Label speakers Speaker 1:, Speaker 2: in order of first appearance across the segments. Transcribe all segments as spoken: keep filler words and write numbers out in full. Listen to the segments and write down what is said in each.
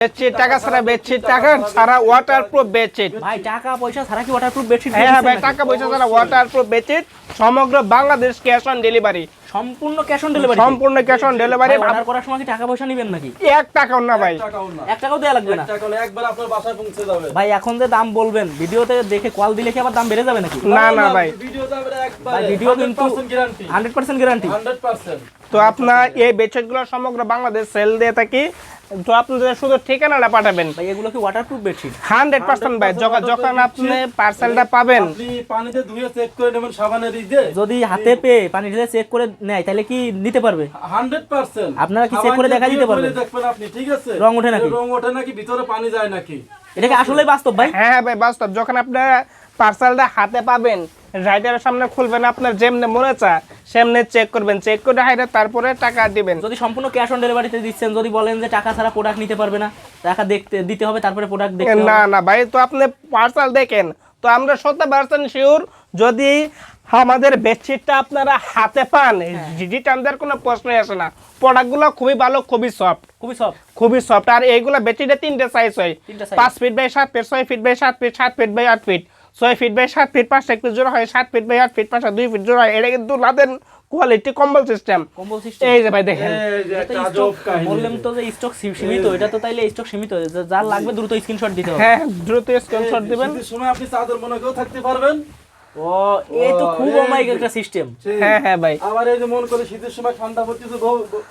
Speaker 1: Bedsheet টাকা ছাড়া bedsheet টাকা ছাড়া ওয়াটারপ্রুফ বেডশিট
Speaker 2: ভাই টাকা পয়সা ছাড়া কি ওয়াটারপ্রুফ বেডশিট?
Speaker 1: হ্যাঁ ভাই টাকা পয়সা ছাড়া ওয়াটারপ্রুফ বেডশিট সমগ্র বাংলাদেশ ক্যাশ অন ডেলিভারি।
Speaker 2: সম্পূর্ণ ক্যাশ অন ডেলিভারি?
Speaker 1: সম্পূর্ণ ক্যাশ অন ডেলিভারি।
Speaker 2: অর্ডার করার সময় কি টাকা পয়সা নেবেন নাকি?
Speaker 1: এক টাকাও না ভাই,
Speaker 2: এক টাকাও দেয়া লাগবে না,
Speaker 3: একবার আপনার বাসায় পৌঁছে যাবে
Speaker 2: ভাই। এখন যে দাম বলবেন ভিডিওতে দেখে কল দিলে কি আবার দাম বেড়ে যাবে নাকি?
Speaker 1: না না ভাই,
Speaker 3: ভিডিও যাবে একবার,
Speaker 2: ভাই ভিডিও কিন্তু
Speaker 3: guarantee
Speaker 2: hundred percent guarantee.
Speaker 3: Hundred percent.
Speaker 1: তো আপনার এই বেডশিটগুলো সমগ্র বাংলাদেশ সেল দিয়ে থাকি। তো আপনাদের শুধু ঠিকানাটা পাঠাবেন।
Speaker 2: ভাই এগুলো কি ওয়াটারপ্রুফ বেডশিট?
Speaker 1: হান্ড্রেড পার্সেন্ট ভাই। যখন যখন আপনি পার্সেলটা পাবেন
Speaker 3: আপনি পানিতে ধুয়ে চেক করে নেবেন সাবানের দিয়ে।
Speaker 2: যদি হাতে পেয়ে পানি ঢেলে চেক করে নেয় তাহলে কি নিতে পারবে?
Speaker 3: Hundred percent.
Speaker 2: আপনারা কি চেক করে দেখা দিতে পারবেন?
Speaker 3: দেখবেন আপনি, ঠিক আছে,
Speaker 2: রং ওঠে নাকি?
Speaker 3: রং ওঠে নাকি, ভিতরে পানি যায় নাকি?
Speaker 2: এটা কি আসলেই বাস্তব ভাই?
Speaker 1: হ্যাঁ ভাই বাস্তব। যখন আপনারা পার্সেলটা হাতে পাবেন, রাইডারের সামনে খুলবেন, আপনার যেমনে মনে চায় সেমনে চেক করবেন, চেক করে হাইডে তারপরে টাকা দিবেন।
Speaker 2: যদি সম্পূর্ণ ক্যাশ অন ডেলিভারিতে দিচ্ছেন, যদি বলেন যে টাকা ছাড়া প্রোডাক্ট নিতে পারবে না, টাকা দেখতে দিতে হবে তারপরে প্রোডাক্ট দেখতে হবে।
Speaker 1: না না ভাই, তো আপনি পার্সেল দেখেন, তো আমরা শত পার্সেন্ট শিওর যদি আমাদের বেডশিটটা আপনারা হাতে পান, রিটার্ন দেওয়ার কোনো প্রশ্নই আসে না। প্রোডাক্টগুলো খুবই ভালো, খুবই সফট,
Speaker 2: খুবই সফট,
Speaker 1: খুবই সফট। আর এইগুলো বেডশিটে তিনটে সাইজ হয়,
Speaker 2: তিনটা সাইজ।
Speaker 1: পাঁচ ফিট বাই সাত ফিট, ছয় ফিট বাই সাত ফিট, সাত ফিট বাই আট ফিট, ছয় ফিট বাই সাত ফিট, পাঁচটা একটু জোড়া হয়, সাত ফিট বাই আট ফিট, পাঁচটা দুই ফিট জোড়া হয়। এটা কিন্তু লাদেন কোয়ালিটি কম্বল সিস্টেম।
Speaker 2: কম্বল সিস্টেম
Speaker 1: এই যে ভাই দেখেন,
Speaker 3: এই যে একটা
Speaker 2: এটা
Speaker 3: আজব
Speaker 2: স্টক
Speaker 3: কাহিনী।
Speaker 2: বললাম তো যে স্টক সীমিত, এটা তো তাইলে স্টক সীমিত, যা- যার লাগবে দ্রুত স্ক্রিনশট দিতে হবে।
Speaker 1: হ্যাঁ দ্রুত স্ক্রিনশট দিবেন।
Speaker 3: শীতের সময় আপনি চাদর মনে করেও থাকতে পারবেন।
Speaker 2: ও এই তো খুব অমায়িক একটা সিস্টেম।
Speaker 3: সেই।
Speaker 1: হ্যাঁ হ্যাঁ ভাই,
Speaker 3: আবার এই যে মন করে শীতের সময় ঠান্ডা পড়তেছে, বউ- বউ-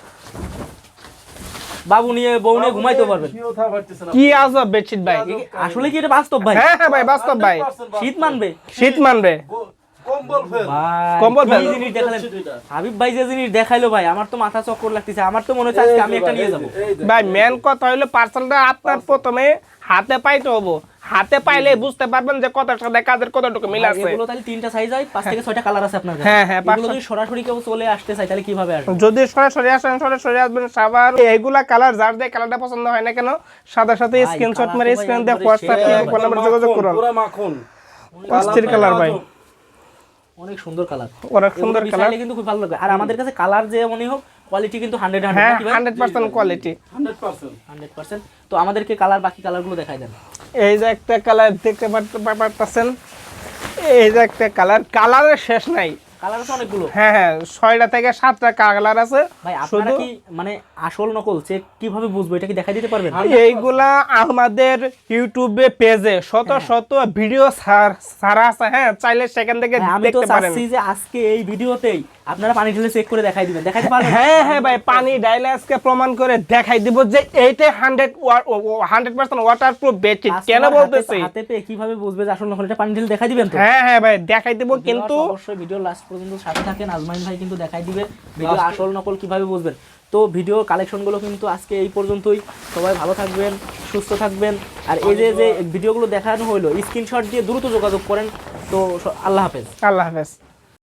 Speaker 2: বাবু নিয়ে বউ নিয়ে ঘুমাইতে পারবেন।
Speaker 3: শুয়েও থাকতে পারতেছে না।
Speaker 1: কি আজব বেডশিট ভাই।
Speaker 2: আসলে কি এটা বাস্তব ভাই?
Speaker 1: হ্যাঁ হ্যাঁ ভাই বাস্তব ভাই,
Speaker 3: হান্ড্রেড পার্সেন্ট
Speaker 2: শীত মানবে
Speaker 1: শীত মানবে।
Speaker 3: গো- কম্বল ফেল।
Speaker 2: ভাই
Speaker 1: কম্বল
Speaker 2: কি
Speaker 1: ফেল।
Speaker 2: জিনিস দেখালেন
Speaker 3: এটা।
Speaker 2: হাবিব ভাই, যে জিনিস দেখাইলো ভাই আমার তো মাথা চক্কর লাগতেছে। আমার তো মনে হচ্ছে আজকে আমি একটা নিয়ে যাবো।
Speaker 3: এই যে,
Speaker 1: ভাই মেন কথা হইলো পার্সেলটা আপনার প্রথমে হাতে পাইতে হবো। হাতে পাইলে বুঝতে পারবেন যে কত সাথে কাজের কতটুকু মিল আছে।
Speaker 2: এগুলো তাহলে তিনটা সাইজ হয়, পাঁচ থেকে ছয়টা কালার আছে আপনার কাছে।
Speaker 1: হ্যাঁ, হ্যাঁ,
Speaker 2: এগুলো
Speaker 1: পাঁচটা-
Speaker 2: যদি সরাসরি কেউ চলে আসতে চায় তাহলে কিভাবে আসবে?
Speaker 1: যদি সরাসরি আসেন, সরাসরি আসবেন। সাবার এইগুলা কালার যার যে কালারটা পছন্দ হয় না কেন, সাথে সাথে
Speaker 2: ভাই,
Speaker 1: স্ক্রিনশট
Speaker 2: colour
Speaker 1: মেরে
Speaker 2: তো ভাই
Speaker 1: স্ক্রিন দিয়ে
Speaker 2: একবারে
Speaker 1: হোয়াটসঅ্যাপ
Speaker 2: সেই
Speaker 1: কিংবা ফোন
Speaker 3: পুরা
Speaker 1: নাম্বারে যোগাযোগ
Speaker 3: মাখন,
Speaker 1: করুন।
Speaker 3: পুরা মাখন।
Speaker 1: অস্থির কালার ভাই,
Speaker 2: অনেক সুন্দর কালার,
Speaker 1: অনেক সুন্দর কালার।
Speaker 2: কিন্তু খুব ভালো লাগে। আর আমাদের কাছে কালার যে মনে হোক কোয়ালিটি কিন্তু হান্ড্রেড
Speaker 1: হ্যাঁ
Speaker 2: hundred
Speaker 1: hundred percent quality,
Speaker 3: hundred percent.
Speaker 2: Hundred percent. তো আমাদেরকে কালার, বাকি কালারগুলো দেখাই দেন।
Speaker 1: এই যে একটা কালার দেখতে পারতে- পারতেছেন, এই যে একটা কালার, কালারের শেষ নাই।
Speaker 2: কালার আছে অনেকগুলো।
Speaker 1: হ্যাঁ হ্যাঁ, ছয়টা থেকে সাতটা কালার আছে।
Speaker 2: ভাই আপনারা
Speaker 1: শুধু
Speaker 2: কি মানে আসল নকল চেক কিভাবে বুঝবো, এটা কি দেখাই দিতে পারবেন?
Speaker 1: এইগুলা আমাদের ইউটিউবে পেজে শত শত ভিডিও ছাড়া আছে। হ্যাঁ চাইলে সেখান থেকে
Speaker 2: হ্যাঁ, আমি তো
Speaker 1: দেখতে পারেন।
Speaker 2: চাচ্ছি যে আজকে এই ভিডিওতেই আপনারা পানি ঢেলে চেক করে দেখাই দিবেন, দেখাইতে পারবেন?
Speaker 1: হ্যাঁ হ্যাঁ ভাই, পানি ডাইলে আজকে প্রমাণ করে দেখাই দিব যে এইটাই hundred hundred percent waterproof bedsheet. কেন
Speaker 2: কাস্টমার
Speaker 1: বলতেছি?
Speaker 2: হাতে- হাতে পেয়ে কিভাবে বুঝবে যে আসল নকল? এটা পানি ঢেলে দেখাই দিবেন তো?
Speaker 1: হ্যাঁ হ্যাঁ ভাই দেখাই দিব, কিন্তু
Speaker 2: অবশ্যই ভিডিও লাস্ট পর্যন্ত সাথে থাকেন। আজমাইন ভাই কিন্তু দেখাই দিবে ভিডিও আসল নকল কিভাবে বুঝবেন। তো ভিডিও কালেকশনগুলো কিন্তু আজকে এই পর্যন্তই। সবাই ভালো থাকবেন, সুস্থ থাকবেন। আর এই যে যে ভিডিওগুলো দেখানো হলো, স্ক্রিনশট দিয়ে দ্রুত যোগাযোগ করেন। তো স- আল্লাহ হাফেজ।
Speaker 1: আল্লাহ হাফেজ।